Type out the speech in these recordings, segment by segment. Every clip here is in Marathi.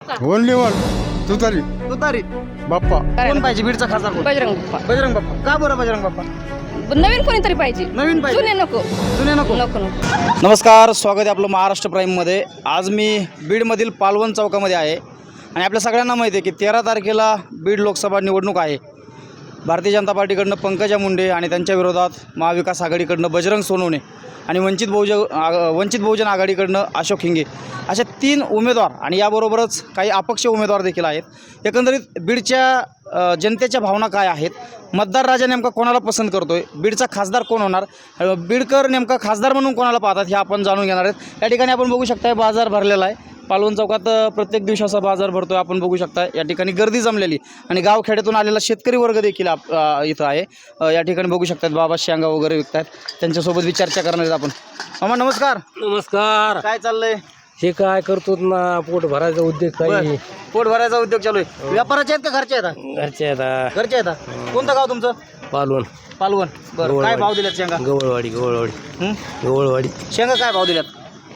ओनली वन तुतारी तुतारी बाप्पा. कोण पाहिजे बीडचा खासदार कोण? बजरंग बाप्पा. बजरंग बाप्पा. का बरं बजरंग बाप्पा? नवीन कोणीतरी पाहिजे, नवीन पाहिजे. जुने नको जुने नको. नको नको. नमस्कार, स्वागत आहे आपलं महाराष्ट्र प्राईममध्ये. आज मी बीडमधील पालवण चौकामध्ये आहे आणि आपल्या सगळ्यांना माहिती आहे की 13 तारखेला बीड लोकसभा निवडणूक आहे. भारतीय जनता पार्टीकडनं पंकजा मुंडे आणि त्यांच्या विरोधात महाविकास आघाडीकडनं बजरंग सोनवणे आणि वंचित बहुजन आघाडीकडनं अशोक हिंगे अशा 3 उमेदवार आणि याबरोबरच काही अपक्ष उमेदवार देखील आहेत. एकंदरीत बीडच्या जनतेच्या भावना काय आहेत, मतदार राजा नेमका कोणाला पसंत करतोय, बीडचा खासदार कोण होणार, बीडकर नेमका खासदार म्हणून कोणाला पाहतात हे आपण जाणून घेणार आहेत. या ठिकाणी आपण बघू शकता बाजार भरलेला आहे. पालवण चौकात प्रत्येक दिवसाचा बाजार भरतो आपण बघू शकता. या ठिकाणी गर्दी जमलेली आणि गावखेड्यातून आलेला शेतकरी वर्ग देखील इथं आहे. या ठिकाणी बघू शकतात बाबा शेंगा वगैरे विकतात, त्यांच्यासोबत बी चर्चा करणार आहेत आपण. मामा नमस्कार. नमस्कार. काय चाललंय? हे काय करतो ना, पोट भरायचा उद्योग काही. पोट भरायचा उद्योग चालू आहे. व्यापाराचे आहेत का घरचे आहेत? घरचे आता घरचे आहेत. कोणतं गाव तुमचं? पालवण पालवण. बरं, काय भाव दिल्यात शेंगा? गवळवाडी शेंगा काय भाव दिल्यात?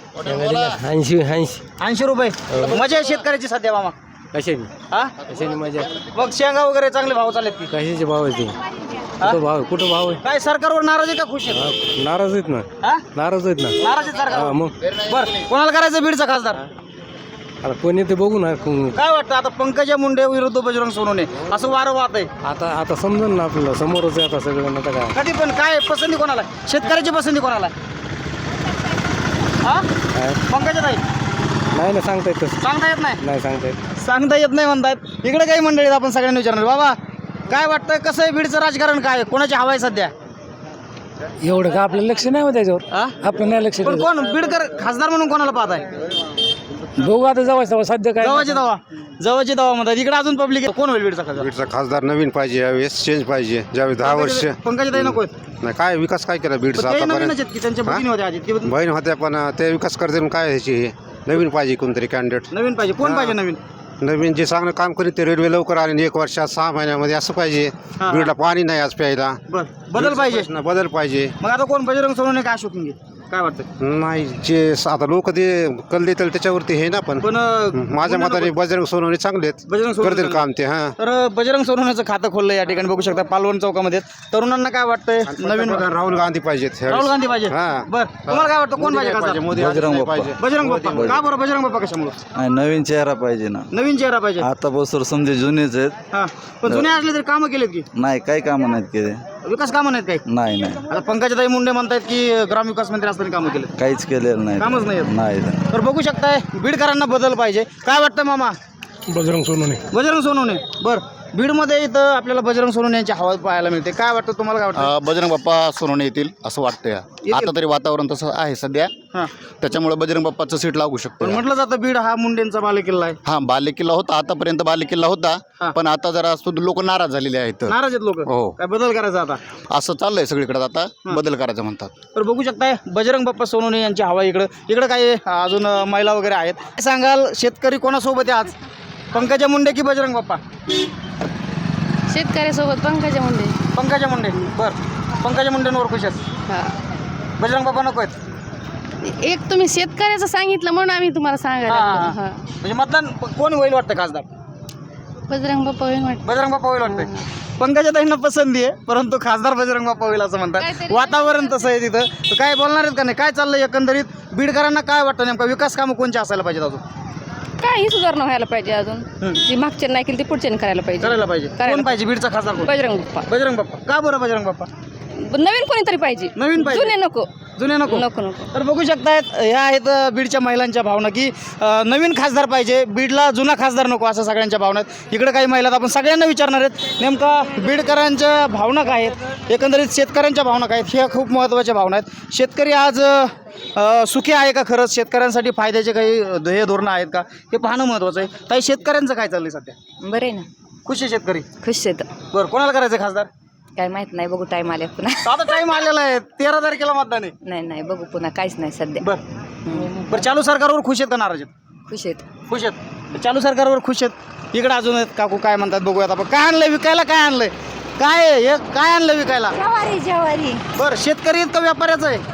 80 रुपये. मजा आहे शेतकऱ्याची सध्या मामा. कशाची मजा? मग शेंगा वगैरे चांगले भाव चालत की? कशाचे भाव आहे ते? कुठं भाव आहे? काय सरकारवर नाराज आहे का खुश आहे? नाराज आहेत ना. नाराज आहे सरकार. मग बरं, कोणाला करायचं बीडचा खासदार? आता कोणी ते बघू ना. काय वाटतं आता पंकजा मुंडे विरुद्ध बजरंग सोनवणे असं वारं वाहत आहे? आता समजून ना आपल्याला, समोरच आहे आता सगळं. आता काय कधी पण काय पसंती कोणाला? शेतकऱ्याची पसंती कोणाला? पंकजा ताई नाही ना सांगता येत तसं. सांगता येत नाही सांगता येत म्हणतात. इकडे काही मंडळी आपण सगळ्यांनी विचारणार. बाबा काय वाटतं, कसं आहे बीडचं राजकारण, काय कोणाची हवा आहे सध्या? एवढं का आपलं लक्ष नाही होत त्याच्यावर. आपलं नाही लक्ष. पण कोण बीडकर खासदार म्हणून कोणाला पाहताय? बघू आता जवळ सध्या काय जवळची दवा म्हणतात. इकडे अजून पब्लिक कोण होईल बीडचा खासदार? बीडचा खासदार नवीन पाहिजे, यावेळेस चेंज पाहिजे. ज्यावेळी 10 वर्ष पंकजा ताई नको नाही, काय विकास काय केला बीडचा आतापर्यंत? त्यांच्या बहिणी होत्या आधी. बहीण होत्या पण ते विकास करते काय ह्याची. नवीन पाहिजे कोणतरी कॅन्डिडेट. नवीन पाहिजे. कोण पाहिजे नवीन? नवीन जे चांगलं काम करीत ते रेल्वे लवकर आले 1 वर्षात 6 महिन्यामध्ये असं पाहिजे. बीडला पाणी नाही आज प्यायला. बदल पाहिजे. बदल पाहिजे. मग आता कोण, बजरंग सोनवणे का अशोक हिंगे? काय वाटतं? नाही, जे आता लोक ते कल देतील त्याच्यावरती हे ना. पण माझ्या मताने बजरंग सोनवणे चांगले आहेत, बजरंग सोनवणे करतील काम ते. तर बजरंग सोनवण्याचं खातं खोललं या ठिकाणी बघू शकता पालवण चौकामध्ये. तरुणांना काय वाटतंय? नवीन राहुल गांधी पाहिजेत. राहुल गांधी पाहिजे. बरं, तुम्हाला काय वाटतं कोण पाहिजे खासदार? बजरंग बजरंग बाप्पा. का बरं बजरंग बाप्पा कशामुळे? नवीन चेहरा पाहिजे ना. नवीन चेहरा पाहिजे. आता बसवर समजे जुनेच आहेत. हा, पण जुने असले तरी कामं केलेत की? नाही, काही कामं नाहीत केले. विकास कामं नाहीत काही? नाही आता पंकजाताई मुंडे म्हणतात की ग्रामविकास मंत्री असताना कामं केले. काहीच केलेलं नाही. कामच नाही. नाही. तर बघू शकताय बीडकरांना बदल पाहिजे. काय वाटतं मामा? बजरंग सोनवणे. बरं, बीडमध्ये इथं आपल्याला बजरंग सोनवणे यांची हवा पाहायला मिळते. काय वाटतं तुम्हाला? काय वाटतं? बजरंग बाप्पा सोनवणे येतील असं वाटतं. आता तरी वातावरण तसं आहे सध्या, त्याच्यामुळे बजरंग बाप्पाचं सीट लागू शकतं. पण म्हटलं जातं बीड हा मुंडेंचा बालेकिल्ला आहे. बालेकिल्ला होता, आतापर्यंत बालेकिल्ला होता. पण आता जरा लोक नाराज झालेले आहेत. नाराज आहेत लोक. हो. काय बदल करायचा आता? असं चाललंय सगळीकडे, आता बदल करायचं म्हणतात. तर बघू शकताय बजरंग बाप्पा सोनवणे यांची हवा इकडं काही अजून महिला वगैरे आहेत. काय सांगाल, शेतकरी कोणासोबत आहे आज, पंकजा मुंडे की बजरंग बाप्पा? शेतकऱ्यासोबत पंकजा मुंडे. बरं, पंकजा मुंडेंवर खुश आहेत. हा. बजरंग बाप्पा नको आहेत? एक तुम्ही शेतकऱ्याचं सांगितलं म्हणून आम्ही तुम्हाला सांगायला लागलो. हा. म्हणजे मतदान कोण होईल वाटतं खासदार? बजरंग बाप्पा होईल वाटतं. बजरंग बाप्पा होईल वाटतंय. पंकजाताईंना पसंती आहे, परंतु खासदार बजरंग बाप्पा होईल असं म्हणतात. वातावरण तसं आहे तिथं. तर काय बोलणार आहेत का नाही? काय चाललंय एकंदरीत बीडकरांना? काय वाटतं नेमका विकास कामं कोणची असायला पाहिजेत अजून? काही सुधारणा व्हायला पाहिजे अजून. जी मागच्या नाही केली ती पुढच्या करायला पाहिजे. कोण पाहिजे बीडचा खासदार? बजरंग बाप्पा. बजरंग बाप्पा. का बरं बजरंग बाप्पा? नवीन कोणीतरी पाहिजे. नवीन पाहिजे. जुने नको. तर बघू शकतायत ह्या आहेत बीडच्या महिलांच्या भावना की नवीन खासदार पाहिजे, बीडला जुना खासदार नको, असं सगळ्यांच्या भावना आहेत. इकडे काही महिला आपण सगळ्यांना विचारणार आहेत नेमका बीडकरांच्या भावना काय आहेत, एकंदरीत शेतकऱ्यांच्या भावना काय आहेत. ह्या खूप महत्त्वाच्या भावना आहेत. शेतकरी आज सुखी आहे का? खरंच शेतकऱ्यांसाठी फायद्याचे काही ध्येय धोरणं आहेत का, हे पाहणं महत्त्वाचं आहे. ताई, शेतकऱ्यांचं काय चाललंय सध्या? बरं आहे ना. खुश आहे शेतकरी? खुश आहेत. बरं, कोणाला करायचं खासदार? काय माहित नाही, बघू टाइम आल्या पुन्हा. आता टाइम आलेला आहे, 13 तारखेला मतदान आहे. नाही बघू पुन्हा, काहीच नाही सध्या. बरं, चालू सरकारवर खुश आहेत का नाराज आहेत? खुश आहेत. चालू सरकारवर खुश आहेत. इकडे अजून आहेत काकू, काय म्हणतात बघूयात आपण. काय आणलंय विकायला? काय आणलंय? काय आणलंय विकायला? ज्वारी. बरं, शेतकरी आहेत का व्यापाऱ्याचं आहे?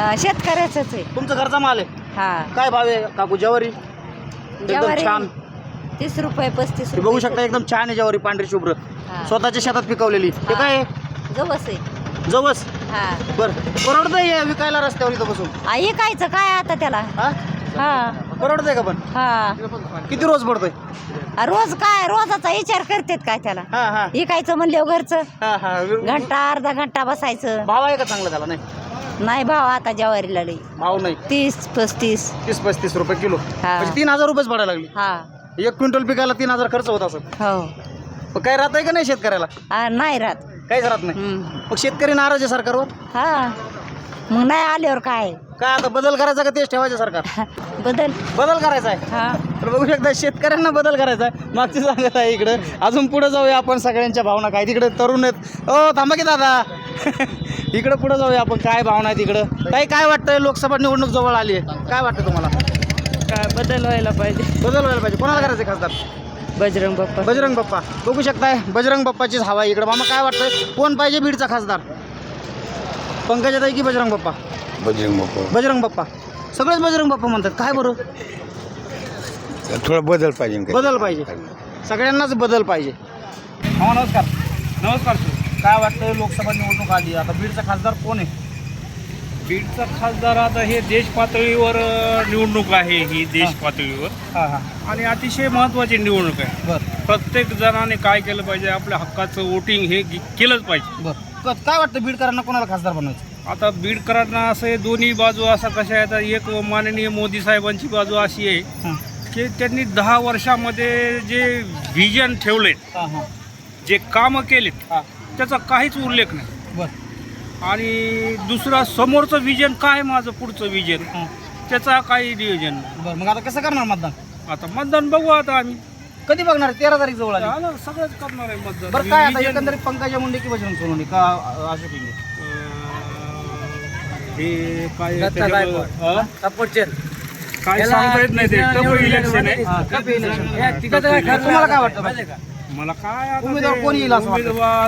शेतकऱ्याचंच आहे. तुमचं घरचा माल आहे? हा. काय भाव आहे काकू ज्वारी? एकदम ज्वारी छान. 30 रुपये 35 हे बघू शकता एकदम छान आहे ज्वारी पांढरी शुभ्र स्वतःच्या शेतात पिकवलेली. हे काय आहे? जवस आहे. जवस. हा बरं परवडतंय विकायला रस्त्यावर इथं बसून? हे कायचं काय आता त्याला? हा हा परवडतंय का पण? हा किती रोज पडतोय? रोज काय रोजाचा विचार करतेत काय त्याला? हा हा इकायचं म्हणल्यावर घरचं हा हा घंटा अर्धा घंटा बसायचं. भाव आहे का चांगला त्याला? नाही नाही भाव आता ज्वारीला लई भाव नाही. 30-35. 30-35 रुपये किलो. हा. म्हणजे 3000 रुपयेच पडायला लागली. हा 1 क्विंटल पिकायला 3000 खर्च होत असत. हो मग काय राहत आहे का नाही शेतकऱ्याला? नाही राहत. काहीच राहत नाही. मग शेतकरी नाराज आहे सरकारवर. हा मग नाही आल्यावर काय काय आता बदल करायचा का तेच ठेवायचं सरकार? बदल करायचा आहे. हा तर बघू शकता शेतकऱ्यांना बदल करायचा आहे. मागची सांगत आहे इकडं. अजून पुढे जाऊया आपण सगळ्यांच्या भावना काय तिकडे तरुण आहेत. थांबा की दादा इकडं पुढे जाऊया आपण काय भावना आहेत इकडं. काही काय वाटतंय लोकसभा निवडणूक जवळ आली आहे काय वाटतं तुम्हाला? काय बदल व्हायला पाहिजे. बदल व्हायला पाहिजे. कोणाला करायचं खासदार? बजरंग बाप्पा. बजरंग बाप्पा. बघू शकताय बजरंग बाप्पाचीच हवा आहे इकडं. मामा काय वाटतंय कोण पाहिजे बीडचा खासदार? पंकजाताई की बजरंग बाप्पा? बजरंग बाप्पा. सगळेच बजरंग बाप्पा म्हणतात काय बरं? थोडा बदल पाहिजे. बदल पाहिजे. सगळ्यांनाच बदल पाहिजे. हा नमस्कार. नमस्कार. काय वाटतं लोकसभा निवडणूक आली आता बीडचा खासदार कोण आहे? बीडचा खासदार आता हे देश पातळीवर निवडणूक आहे ही देश पातळीवर हां हां आणि अतिशय महत्त्वाची निवडणूक आहे. बरं प्रत्येक जणाने काय केलं पाहिजे आपल्या हक्काचं वोटिंग हे केलंच पाहिजे. बरं काय वाटतं बीडकरांना कोणाला खासदार बनवायचं? आता बीडकरांना असं हे दोन्ही बाजू असा कशा आहेत. एक माननीय मोदी साहेबांची बाजू अशी आहे की त्यांनी 10 वर्षामध्ये जे व्हिजन ठेवलेत हां हां जे कामं केलेत त्याचा काहीच उल्लेख नाही. बरं आणि दुसरा समोरचं विजन काय माझं पुढचं विजन त्याचा काही नियोजन नाही. बरं मग आता कसं करणार मतदान? आता मतदान बघू आता आम्ही कधी बघणार? 13 तारीख जवळ आली. आता सगळंच करणार आहे मतदान. बरं काय आता विजन, एकंदरीत पंकजा मुंडे की बजरंग सोनवणे का अशोक इंगे? हे काय काय सांगता येत नाही. ते टफ इलेक्शन आहे. तुम्हाला काय वाटतं? मला काय आता उमेदवार ते कोण येईल असं वाटतं? उमेदवार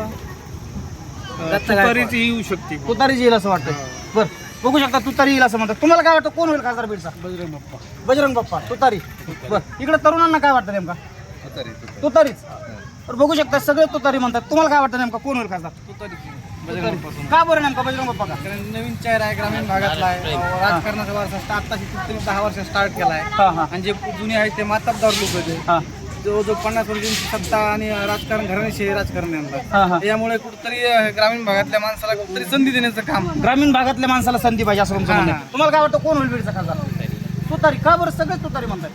तुतारीच येऊ शकते. तुतारी येईल असं वाटतं. बरं बघू शकता तुतारी येईल असं म्हणतात. तुम्हाला काय वाटतं कोण होईल खासदार बीडचा? बजरंग बाप्पा. बजरंग बाप्पा तुतारी. बरं इकडे तरुणांना काय वाटतं नेमका? तुतारीच. बरं बघू शकता सगळे तुतारी म्हणतात. तुम्हाला काय वाटतं नेमका कोण होईल खासदार? तुतारी. का बरं नेमका बजरंग बाप्पा का? नवीन चेहरा आहे ग्रामीण भागातला आहे. राजकारणाचा वारसा आत्ताशी 10 वर्ष स्टार्ट केला आहे. हां हां आणि जे जुने आहेत ते मातब्दार लोक आहेत. हां जो 50 वर्षांची सत्ता आणि राजकारण घराण्याशी राजकारण हां, आणतात. हां. यामुळे कुठेतरी ग्रामीण भागातल्या माणसाला कुठेतरी संधी देण्याचं काम. ग्रामीण भागातल्या माणसाला संधी पाहिजे असं तुमचं म्हणणं आहे. हां. तुम्हाला काय वाटतं कोण होईल बीडचा खासदार? तुतारी. का बरं सगळेच तुतारी म्हणतात?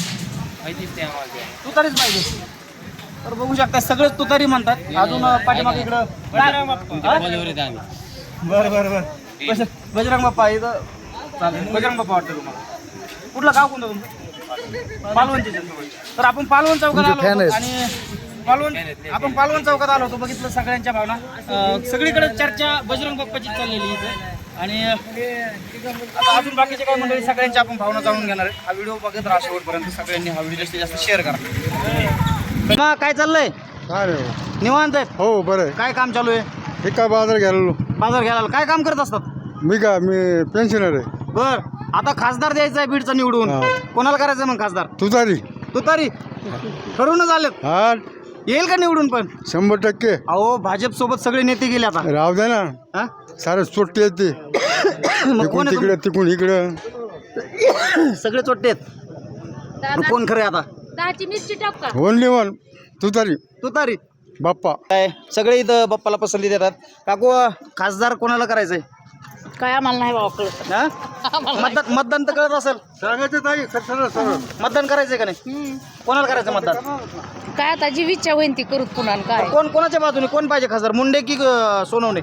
तुतारीच पाहिजे. तर बघू शकता सगळेच तुतारी म्हणतात. अजून पाठीमागे इकडं बरं बरं बरं बजरंग बाप्पा इथं चालेल. बजरंग बाप्पा वाटतं तुम्हाला? कुठलं गाव कोणतं तुमचं? पालवणचे. तर आपण पालवण चौकात आलो होतो आणि आपण पालवण चौकात आलो होतो. बघितलं सगळ्यांच्या भावना. सगळीकडे चर्चा बजरंग बाप्पाची चाललेली इथं आणि आता अजून बाकीचे काही मंडळी सगळ्यांच्या आपण भावना जाणून घेणार आहे. हा व्हिडिओ बघत राहा शेवटपर्यंत. सगळ्यांनी हा व्हिडिओ जास्तीत जास्त शेअर करा. काय चाललंय? काय निवांत आहे? हो बरं आहे. काय काम चालू आहे? हे काय बाजार घ्यायला? बाजार घ्यायला. काय काम करत असतात? मी पेन्शनर आहे. बर आता खासदार द्यायचा आहे बीडचा निवडून. कोणाला करायचं मग खासदार? तुतारी. ठरवून झालेत. हा येईल का निवडून? पण 100%. अहो भाजप सोबत सगळे नेते गेले आता. राहू द्या ना. हा? सारं चोट्टी येते. मग कोण आहे तिकडे तिकून इकडं सगळे चोट्टे आहेत. मग कोण खरे आता? 10ची मिरची टाक का? ओनली वन तुतारी बाप्पा. काय सगळे इथं बाप्पाला पसंती देतात. काकू खासदार कोणाला करायचंय? काय आम्हाला नाही बाबा कळत. हा? मतदान तर कळत असेल. सांगायचं ताई. मतदान करायचंय का नाही? कोणाला करायचं मतदान? काय आता जी इच्छा होईन ती करूत पुन्हा. काय कोणाच्या बाजूने कोण पाहिजे खासदार? मुंडे की सोनवणे?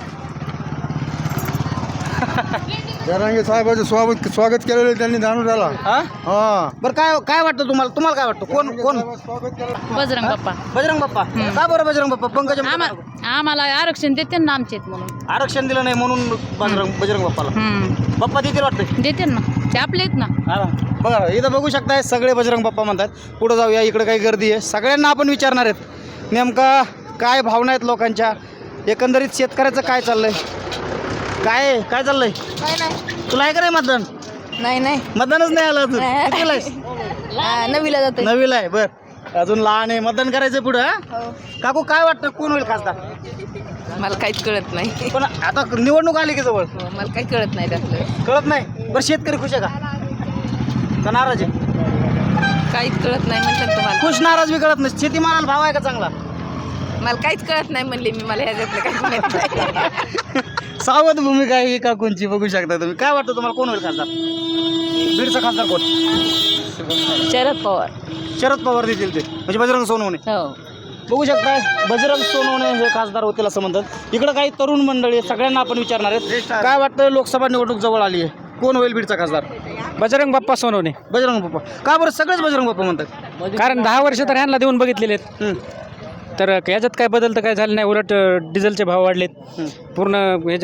जरांगे साहेबांचं स्वागत केलेलं त्यांनी जाणून आला. हा बरं काय वाटतं तुम्हाला काय वाटतं कोण? बजरंग बाप्पा. बजरंग बाप्पा. का बरं बजरंग बाप्पा? पंकजा आम्हाला आरक्षण देते ना आमचेत म्हणून. आरक्षण दिलं नाही म्हणून बजरंग बाप्पाला. बाप्पा देतील वाटतं? देते ना ते आपले आहेत ना. बघा इथं बघू शकताय सगळे बजरंग बाप्पा म्हणतात. पुढे जाऊया. इकडे काही गर्दी आहे. सगळ्यांना आपण विचारणार आहेत नेमका काय भावना आहेत लोकांच्या. एकंदरीत शेतकऱ्याचं काय चाललंय? काय चाललंय? काय नाही. तुला आहे का नाही मतदान? नाही मतदानच नाही आलं अजून. कितीला आहेस? नवीला जाते नवीला आहे बर अजून लहान आहे मतदान करायचं पुढं हा? काकू काय वाटतं कोण होईल खासदार मला काहीच कळत नाही पण आता निवडणूक आली की जवळ मला काही कळत नाही त्यातलं कळत नाही बरं शेतकरी खुश आहे का नाराज आहे काहीच कळत नाही म्हणलं तुम्हाला खुश नाराज बी कळत नाही शेतीमालाला भाव आहे का चांगला मला काहीच कळत नाही म्हणले मी मला ह्याच्यातलं काही माहित नाही सावध भूमिका आहे ही काकूंची बघू शकता तुम्ही काय वाटतं तुम्हाला कोण होईल खासदार बीडचा खासदार कोण शरद पवार शरद पवार देतील ते म्हणजे बजरंग सोनवणे हो बघू शकता बजरंग सोनवणे हे खासदार होतील असं म्हणतात इकडं काही तरुण मंडळी आहेत, सगळ्यांना आपण विचारणार आहेत काय वाटतं लोकसभा निवडणूक जवळ आली आहे कोण होईल बीडचा खासदार बजरंग बाप्पा सोनवणे बजरंग बाप्पा का बरं सगळेच बजरंग बाप्पा म्हणतात कारण 10 वर्ष तर ह्यांना देऊन बघितलेले आहेत हं. तर याच्यात काय बदल तर काय झालं नाही उलट डिझेलचे भाव वाढलेत पूर्ण ह्याचे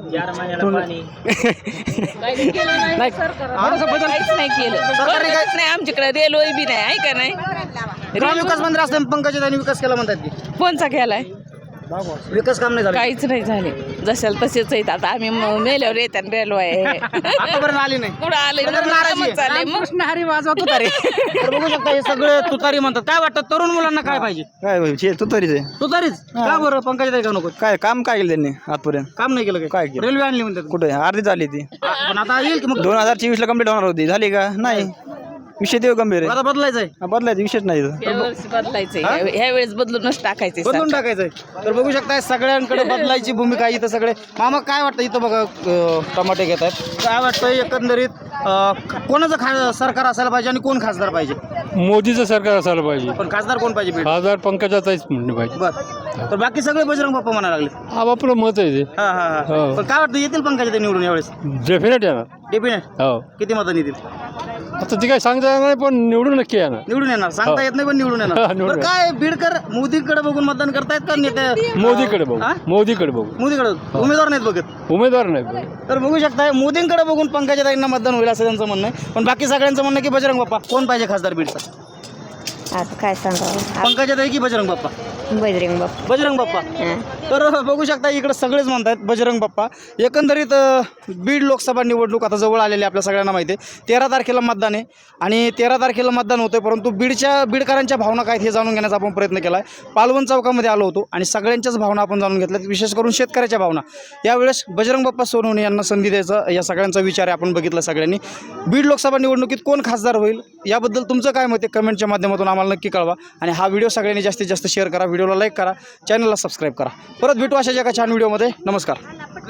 नाही थोडासा बदल काहीच नाही केलं सरकारने काय नाही आमच्याकडे रेल्वे बी नाही आहे का नाही ग्रामविकास मंत्री असताना पंकजाताईंनी विकास केला म्हणतात की कोणचा केलाय विकास काम नाही झालं काहीच नाही झाले जशाला तसेच आहेत आता आम्ही मेल्यावर येतात रेल्वे आहे आतापर्यंत आली नाही कुठं आले तर नाराजी आहे. चालले मग हरी वाजवतो तारे तर बघू शकता हे सगळे तुतारी म्हणतात काय वाटतं तरुण मुलांना काय पाहिजे काय तू तरीच आहे तुतारीच का बरं पंकजाताई का नको काय काम काय केलं त्यांनी आजपर्यंत काम नाही केलं काय केलं? रेल्वे आणली म्हणतात कुठे अर्धी झाली ती पण आता येईल की मग 2024 ला कंप्लीट होणार होती झाली का नाही विषय देव गंभीर आता बदलायचं आहे आहे बदलायचं विषयच नाही इथं. यावर्षी बदलायचंय ह्या वेळेस बदलूनच टाकायचे बदलून टाकायचंय तर बघू शकता सगळ्यांकडे बदलायची भूमिका आहे इथं सगळे मामा काय वाटतं इथं बघा टमाटे घेत आहेत काय वाटतं एकंदरीत कोणाचं सरकार असायला पाहिजे आणि कोण खासदार पाहिजे मोदीचं सरकार असायला पाहिजे पण खासदार कोण पाहिजे बीड? खासदार पंकजाताईच म्हणले पाहिजे बरं तर बाकी सगळे बजरंग बाप्पा म्हणायला लागले हा आपलं मत आहे ते हा हा हा हो. पण काय वाटतं येतील पंकजाताई निवडून यावेळेस डेफिनेट येणार डेफिनेट हो किती मतं येतील आता ती काय सांगता येणार नाही पण निवडून नक्की येणार निवडून येणार सांगता हो. येत नाही पण निवडून येणार हा, निवडून बरं काय बीडकर मोदीकडे बघून मतदान करतायत का नेते मोदीकडे बघू हा? मोदीकडे बघू मोदीकडे उमेदवार नाहीत बघत उमेदवार नाही बघू. तर बघू शकता मोदींकडे बघून पंकजाताईंना मतदान होईल असं त्यांचं म्हणणं आहे पण बाकी सगळ्यांचं म्हणणं आहे की बजरंग बाप्पा कोण पाहिजे खासदार बीडचा आता काय सांगावं पंकजाताई की बजरंग बाप्पा बजरंग बाप्पा बजरंग बाप्पा तर बघू शकता इकडे सगळेच म्हणतात बजरंग बाप्पा एकंदरीत बीड लोकसभा निवडणूक आता जवळ आलेली आपल्या सगळ्यांना माहिती आहे 13 तारखेला मतदान आहे आणि 13 तारखेला मतदान होतं परंतु बीडकरांच्या भावना काय आहेत हे जाणून घेण्याचा आपण प्रयत्न केला आहे पालवण चौकामध्ये आलो होतो आणि सगळ्यांच्याच भावना आपण जाणून घेतल्यात विशेष करून शेतकऱ्याच्या भावना यावेळेस बजरंग बाप्पा सोनवणे यांना संधी द्यायचा या सगळ्यांचा विचार आहे आपण बघितला सगळ्यांनी बीड लोकसभा निवडणुकीत कोण खासदार होईल याबद्दल तुमचं काय मत आहे कमेंटच्या माध्यमातून आम्हाला नक्की कळवा आणि हा व्हिडिओ सगळ्यांनी जास्तीत जास्त शेअर करा व्हिडिओला लाईक करा चॅनलला सबस्क्राईब करा परत भेटू अशाच एका छान व्हिडिओमध्ये नमस्कार.